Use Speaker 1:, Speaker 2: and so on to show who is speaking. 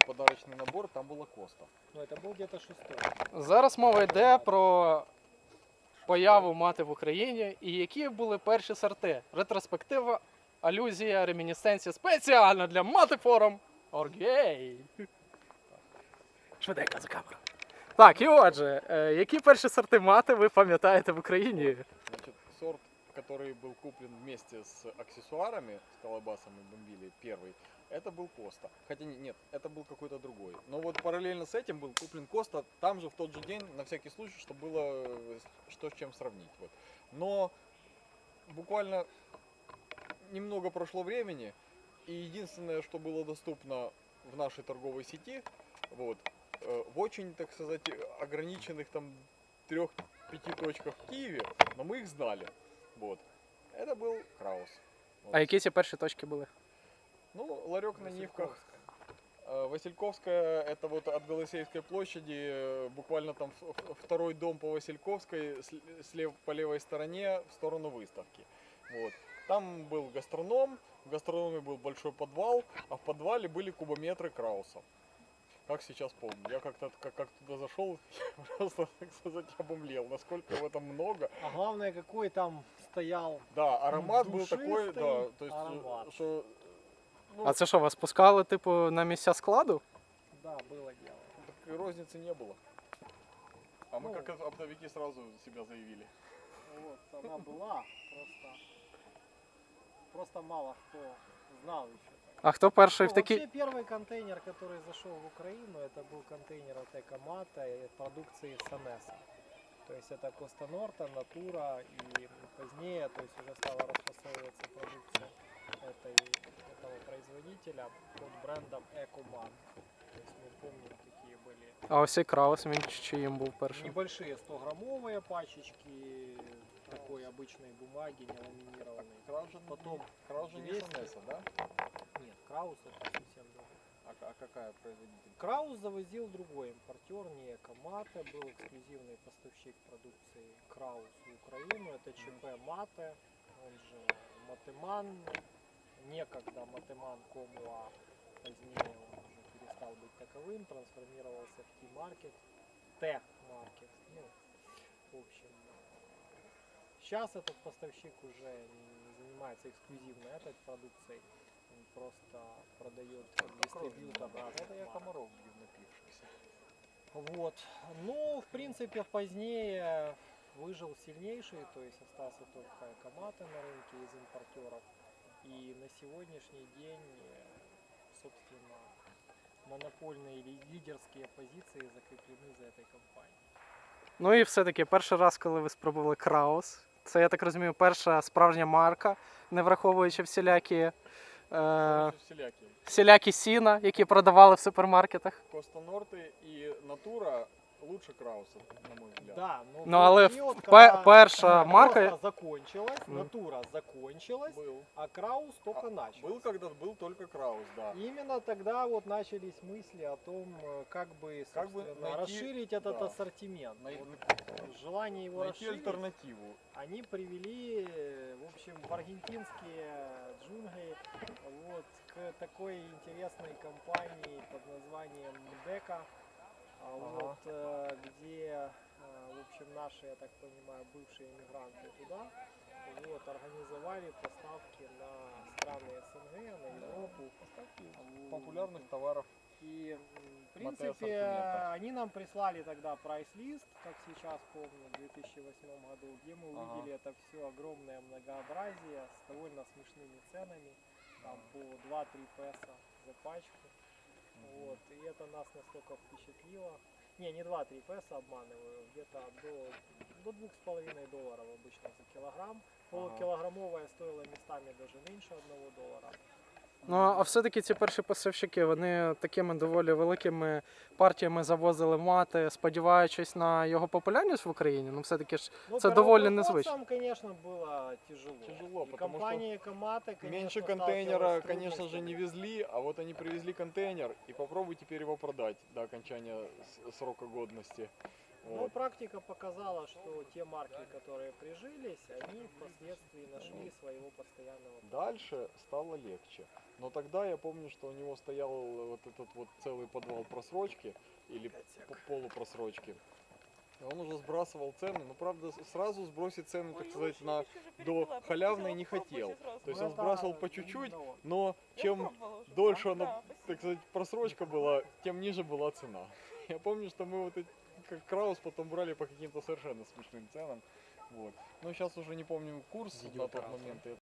Speaker 1: подарочный набор, там была Коста.
Speaker 2: Ну, это был где-то 6-й.
Speaker 3: Зараз мова йде про появу мати в Україні і які були перші сорти. Ретроспектива, алюзія, ремінісценція спеціально для мати форум Оргей. Швиденько за камеру. Так, і отже, які перші сорти мати ви пам'ятаєте в Україні?
Speaker 1: Значит, сорт, который был куплен вместе с аксессуарами, с колобасом и бомбили, первый, это был Коста. Хотя нет, это был какой-то другой. Но вот параллельно с этим был куплен Коста, там же в тот же день, на всякий случай, чтобы было что с чем сравнить. Вот. Но буквально немного прошло времени, и единственное, что было доступно в нашей торговой сети, вот, в очень, так сказать, ограниченных там 3-5 точках в Киеве, но мы их знали. Вот. Это был Краус. Вот.
Speaker 3: А які ці перші точки були?
Speaker 1: Ну, ларек на Нивках. Васильковская, это вот от Голосеевской площади, буквально там второй дом по Васильковской, по левой стороне, в сторону выставки. Вот. Там был гастроном, в гастрономе был большой подвал, а в подвале были кубометры Крауса. Как сейчас помню. Я как туда зашел, просто, так сказать, обомлел, насколько его там много.
Speaker 2: А главное, какой там стоял.
Speaker 1: Да, аромат был
Speaker 2: Душистый
Speaker 1: такой, да, то есть,
Speaker 2: аромат.
Speaker 1: что... Ну,
Speaker 3: А це що, вас пускали, типу, на місця складу?
Speaker 2: Да, было дело.
Speaker 1: так розницы не было. А мы
Speaker 2: Ну.
Speaker 1: как оптовики сразу себя заявили.
Speaker 2: Вот, она была, просто мало кто знал еще.
Speaker 3: А хто перший в
Speaker 2: Ну,
Speaker 3: такій...
Speaker 2: вообще первый контейнер, который зашел в Украину, это был контейнер от Экомата и продукции Санеса. То есть это Коста Норта, Натура и позднее, то есть уже стала расфасовываться продукция этого производителя под брендом Экоман. То есть мы помним, какие были
Speaker 3: А ось і Краус, він чиїм був першим?
Speaker 2: небольшие 100-граммовые пачечки такой обычной бумаги, не ламинированной.
Speaker 1: Краус же,
Speaker 2: Потом
Speaker 1: Краус же не
Speaker 2: 200.
Speaker 1: Санеса, да?
Speaker 2: Нет, Краус это совсем другой.
Speaker 1: А какая производитель?
Speaker 2: Краус завозил другой импортер, не Экомате, был эксклюзивный поставщик продукции Краус в Украину. Это ЧП Мате, он же Матеман, некогда Матеман Комуа, позднее он уже перестал быть таковым, трансформировался в T-Market, T-Market, ну, в общем. Сейчас этот поставщик уже не занимается эксклюзивно этой продукцией, он просто продает как дистрибьютор разных
Speaker 1: Это я
Speaker 2: марок.
Speaker 1: комаров бью напившихся.
Speaker 2: Вот. Ну, в принципе, позднее выжил сильнейший, то есть остался только Экомате на рынке из импортеров. И на сегодняшний день, собственно, монопольные или лидерские позиции закреплены за этой компанией.
Speaker 3: Ну і все-таки перший раз, коли ви спробували Краус, це, я так розумію, перша справжня марка, не враховуючи всілякі сіна, які продавали в супермаркетах.
Speaker 1: Коста Норты и Натура лучше Крауса, на мой взгляд.
Speaker 2: Да,
Speaker 3: Ну, але
Speaker 2: период,
Speaker 3: перша марка...
Speaker 2: Коста закончилась, Натура закончилась,
Speaker 1: Был.
Speaker 2: а Краус только начал.
Speaker 1: Был когда-то, был только Краус, да.
Speaker 2: Именно тогда вот начались мысли о том, как бы,
Speaker 1: Как бы
Speaker 2: собственно,
Speaker 1: найти-
Speaker 2: расширить этот
Speaker 1: да.
Speaker 2: ассортимент.
Speaker 1: Най-
Speaker 2: Вот желание его
Speaker 1: Найти
Speaker 2: расширить,
Speaker 1: альтернативу.
Speaker 2: они привели, в общем, в аргентинские джунгли вот, к такой интересной компании под названием МДЕКа, вот, где, в общем, наши, я так понимаю, бывшие иммигранты туда вот, организовали поставки на страны СНГ, на Европу.
Speaker 1: Популярных товаров.
Speaker 2: И, в
Speaker 1: Мате
Speaker 2: принципе,
Speaker 1: ассортимента.
Speaker 2: они нам прислали тогда прайс-лист, как сейчас помню, в 2008 году, где мы увидели это все огромное многообразие с довольно смешными ценами, там по 2-3 песо за пачку. Вот, и это нас настолько впечатлило. Не 2-3 песо, обманываю, где-то до $2,5 обычно за килограмм. Полукилограммовая стоила местами даже меньше $1.
Speaker 3: Ну, а все-таки ці перші поставщики, вони такими доволі великими партіями завозили мати, сподіваючись на його популярність в Україні. Ну, все-таки ж
Speaker 2: Ну,
Speaker 3: це доволі незвично.
Speaker 2: первопроходцам, конечно, было тяжело.
Speaker 1: Тяжело,
Speaker 2: И
Speaker 1: потому
Speaker 2: компания Экомате, конечно,
Speaker 1: Меньше
Speaker 2: сталкивалась
Speaker 1: контейнера,
Speaker 2: с
Speaker 1: конечно же, не
Speaker 2: трудностями.
Speaker 1: везли, а вот они привезли контейнер, и попробуй теперь его продать до окончания срока годности.
Speaker 2: Но
Speaker 1: Вот.
Speaker 2: практика показала, что те марки, которые прижились, они впоследствии нашли своего постоянного
Speaker 1: Дальше стало легче. Но тогда я помню, что у него стоял вот этот вот целый подвал просрочки или полупросрочки. И он уже сбрасывал цены, но правда сразу сбросить цену, так сказать, на до халявной не хотел. То есть он сбрасывал по чуть-чуть, но чем дольше она, так сказать, просрочка была, тем ниже была цена. Я помню, что мы вот эти, как Краус, потом брали по каким-то совершенно смешным ценам. Вот. Но сейчас уже не помню курс на тот момент.